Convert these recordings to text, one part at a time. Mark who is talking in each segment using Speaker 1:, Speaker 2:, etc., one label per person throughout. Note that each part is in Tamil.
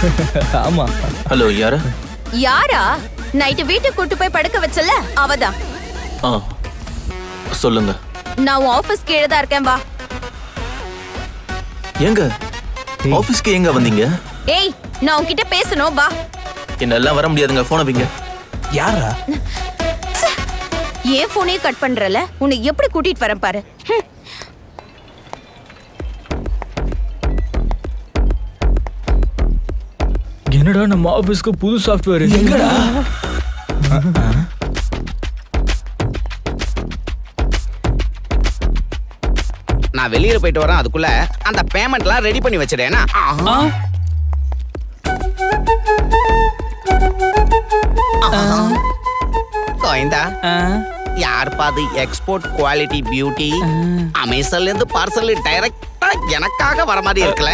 Speaker 1: ஆமா.
Speaker 2: ஹலோ, யாரு?
Speaker 3: யாரா? நைட்டு வீட்டுக்கு கூட்டு போய் படுக்க வச்சல அவதான்.
Speaker 2: சொல்லுங்க.
Speaker 3: நான் ஆபீஸ் கீழே தான் இருக்கேன், வா.
Speaker 2: எங்க ஆபீஸ்க்கு எங்க வந்தீங்க?
Speaker 3: ஏய், நான் உன்கிட்ட பேசணும், வா.
Speaker 2: என்னெல்லாம் வர முடியாதுங்க, போன வைங்க.
Speaker 1: யாரா?
Speaker 3: ஏன் போனே கட் பண்றல? உன்னை எப்படி கூட்டிட்டு வரேன் பாரு.
Speaker 1: என்னடா நம்ம ஆபீஸ்க்கு புது சாஃப்ட்வேர் எங்கடா?
Speaker 4: நான் வெளியில போயிட்டு வரேன், அதுக்குள்ள அந்த பேமெண்ட்லாம் ரெடி பண்ணி வச்சிடேனா? கோயந்தா, யார் பாது எக்ஸ்போர்ட் குவாலிட்டி பியூட்டி அமேசான்ல இருந்து பார்சல் டைரக்டா எனக்காக வர மாதிரி இருக்கல.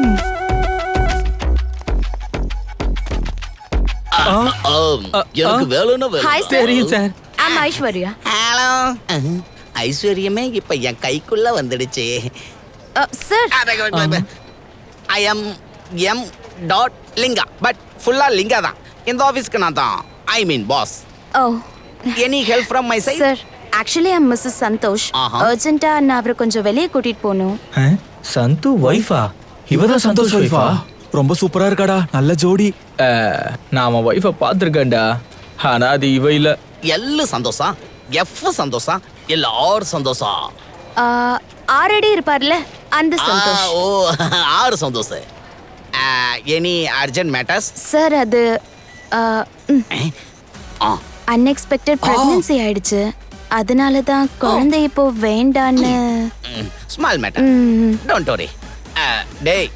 Speaker 4: எனக்கு வேணும்னா
Speaker 3: ஹாய் சார்.
Speaker 1: தெரியும் சார்.
Speaker 3: ஐம் ஐஸ்வர்யா.
Speaker 4: ஹலோ. ஐஸ்வர்யமே இப்ப என் கைக்குள்ள வந்துடுச்சு.
Speaker 3: Sir,
Speaker 4: I am M dot Linga, but ஃபுல்லா லிங்கா தான். இந்த ஆபீஸ்க்கு நான் தான் I mean boss.
Speaker 3: Oh
Speaker 4: any help from my side?
Speaker 3: Sir, actually I'm missus Santhosh. அர்ஜென்ட்டா நான் அவரை கொஞ்சம் வெளியே கூட்டிட்டு போகணும்.
Speaker 1: சந்து வைஃபா? இவதான் சந்தோஷ் வைஃபா?
Speaker 5: ரொம்ப சூப்பரா இருக்காடா, நல்ல ஜோடி.
Speaker 1: நான் அவன் வைஃபை பார்த்துருக்கேன்டா, ஆனா அது இவ இல்ல.
Speaker 4: எல்லு சந்தோஷா, எஃப் சந்தோஷா, எல்லாரும் சந்தோஷா.
Speaker 3: ஆல்ரெடி இருப்பார்ல அந்த சந்தோஷ்.
Speaker 4: ஓ, ஆறு Santhosh. Any urgent matters?
Speaker 3: Sir, அது அன்எக்ஸ்பெக்டட் பிரெக்னன்சி ஆயிடுச்சு. அதனால தான் குழந்தை இப்போ வேண்டான்னு.
Speaker 4: Small matter, don't worry. டேய்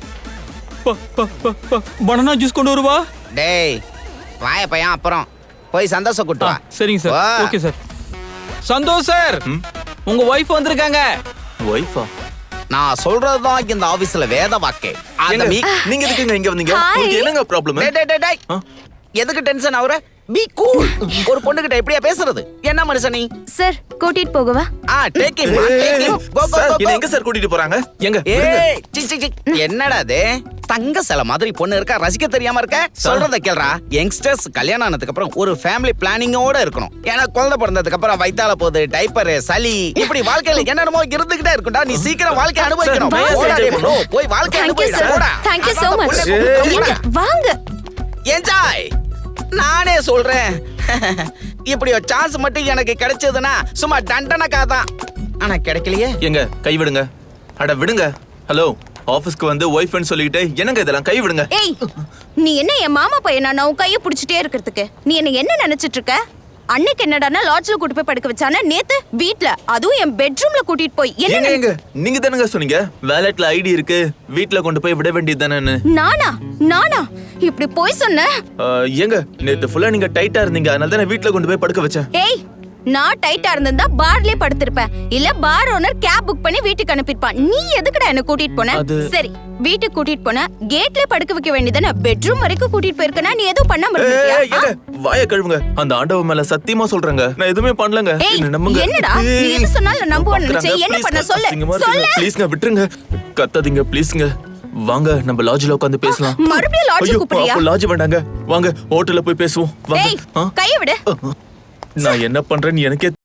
Speaker 1: பனானா ஜூஸ் கொண்டு வருவா.
Speaker 4: டேய் வாய பையன், அப்புறம் போய் சந்தோஷம் கூட்டு வா.
Speaker 1: சரிங்க sir. Okay sir. Santhosh sir, உங்க வைஃப் வந்திருக்காங்க.
Speaker 2: வைஃபா?
Speaker 4: நான் சொல்றதுதான் இந்த ஆபீஸ்ல வேத வாக்கே.
Speaker 2: நீங்க எதுக்குங்க இங்க வந்தீங்க? உங்களுக்கு என்னங்க ப்ராப்ளம்?
Speaker 4: டேய் எதுக்கு டென்ஷன் ஆகுற? Be cool. ஒரு பொண்ணுகிட்ட எப்படியா பேசுறது? என்ன மனுஷன் நீ?
Speaker 3: சார், கூட்டிட்டு போகவா?
Speaker 4: Take him, take him. Go go go.
Speaker 2: என்ன எங்க சார் கூட்டிட்டு போறாங்க? எங்க?
Speaker 4: ஏய் சி என்னடா இது? தங்க சிலை மாதிரி பொண்ணு இருக்கா, ரசிக்க தெரியாம இருக்க? சொல்றத கேளுடா. யங்ஸ்டர்ஸ் கல்யாணம் ஆனதுக்கு அப்புறம் ஒரு ஃபேமிலி பிளானிங்கோட இருக்கணும். ஏன்னா குழந்தை பிறந்ததுக்கு அப்புறம் வயித்தால போகுது, டைப்பர், சளி, இப்படி வாழ்க்கையில என்னென்னமோ இருந்துகிட்டே இருக்கும்டா. நீ சீக்கிரம் வாழ்க்கை அனுபவிக்கணும். போய் வாழ்க்கை அனுபவிடா.
Speaker 3: Thank you so much. வாங்க.
Speaker 4: என்ஜாய். நானே சொல்றேன், இப்படி ஒரு சான்ஸ் மட்டும் எனக்கு கிடைச்சதுன்னா சும்மா தண்டனைக்காக தான். ஆனா கிடைக்கலையே.
Speaker 2: எங்க கை விடுங்க. அட விடுங்க. ஹலோ, ஆபீஸ்க்கு வந்து வைஃப்னு சொல்லிட்டு என்னங்க இதெல்லாம்? கை விடுங்க.
Speaker 3: ஏய், நீ என்ன என் மாமா பையனா? நான் உன் கையை பிடிச்சிட்டே இருக்கிறதுக்கு நீ என்ன நினைச்சிட்டு இருக்க? அன்னைக்கு என்னடானா லாட்ஜ்ல கூட்டி போய் படுக்க வச்சானா, நேத்து வீட்ல, அதுவும் என் பெட்ரூம்ல கூட்டிட்டு போய்
Speaker 2: எங்க நீங்க தானங்க சொன்னீங்க வாலெட்ல ஐடி இருக்கு, வீட்ல கொண்டு போய் விட வேண்டியதுதானே?
Speaker 3: நானா இப்படி போய் சொன்ன?
Speaker 2: எங்க நேத்து ஃபுல்லா நீங்க டைட்டா இருந்தீங்க, அதனால தான் வீட்ல கொண்டு போய் படுக்க வச்சேன்.
Speaker 3: ஏய், நான் டைட்டா இருந்தா பார்லயே படுத்திருப்பேன், இல்ல பார் ஓனர் கேப் புக் பண்ணி வீட்டுக்கு அனுப்பிருப்பான். நீ எதுக்குடா என்ன கூட்டிட்டு போன? சரி, வீட்டுக்கு கூட்டிட்டு போன கேட்ல படுக்க வைக்க வேண்டியதானே? பெட்ரூம் வரைக்கும் கூட்டிட்டு போயிருக்கனா நீ எதுவும் பண்ணாம இருந்தியா?
Speaker 2: வாய கழுவுங்க. அந்த ஆண்டவன் மேல சத்தியமா சொல்றேங்க, நான் எதுவுமே பண்ணலங்க. என்ன நம்புங்க.
Speaker 3: என்னடா நீ எது சொன்னாலும் நம்புவேன்னு நினைச்சே? என்ன பண்ண சொல்லு.
Speaker 2: ப்ளீஸ்ங்க விட்டுருங்க, கத்தாதீங்க ப்ளீஸ்ங்க. வாங்க நம்ம லாட்ஜ்ல உட்கார்ந்து பேசலாம்.
Speaker 3: மறுபடியும் லாட்ஜ் கூப்பிடுறியா?
Speaker 2: லாட்ஜ் வேண்டாங்க, வாங்க ஹோட்டல்ல போய் பேசுவோம். வாங்க.
Speaker 3: கையை விடு.
Speaker 2: நான் என்ன பண்றேன்னு எனக்கே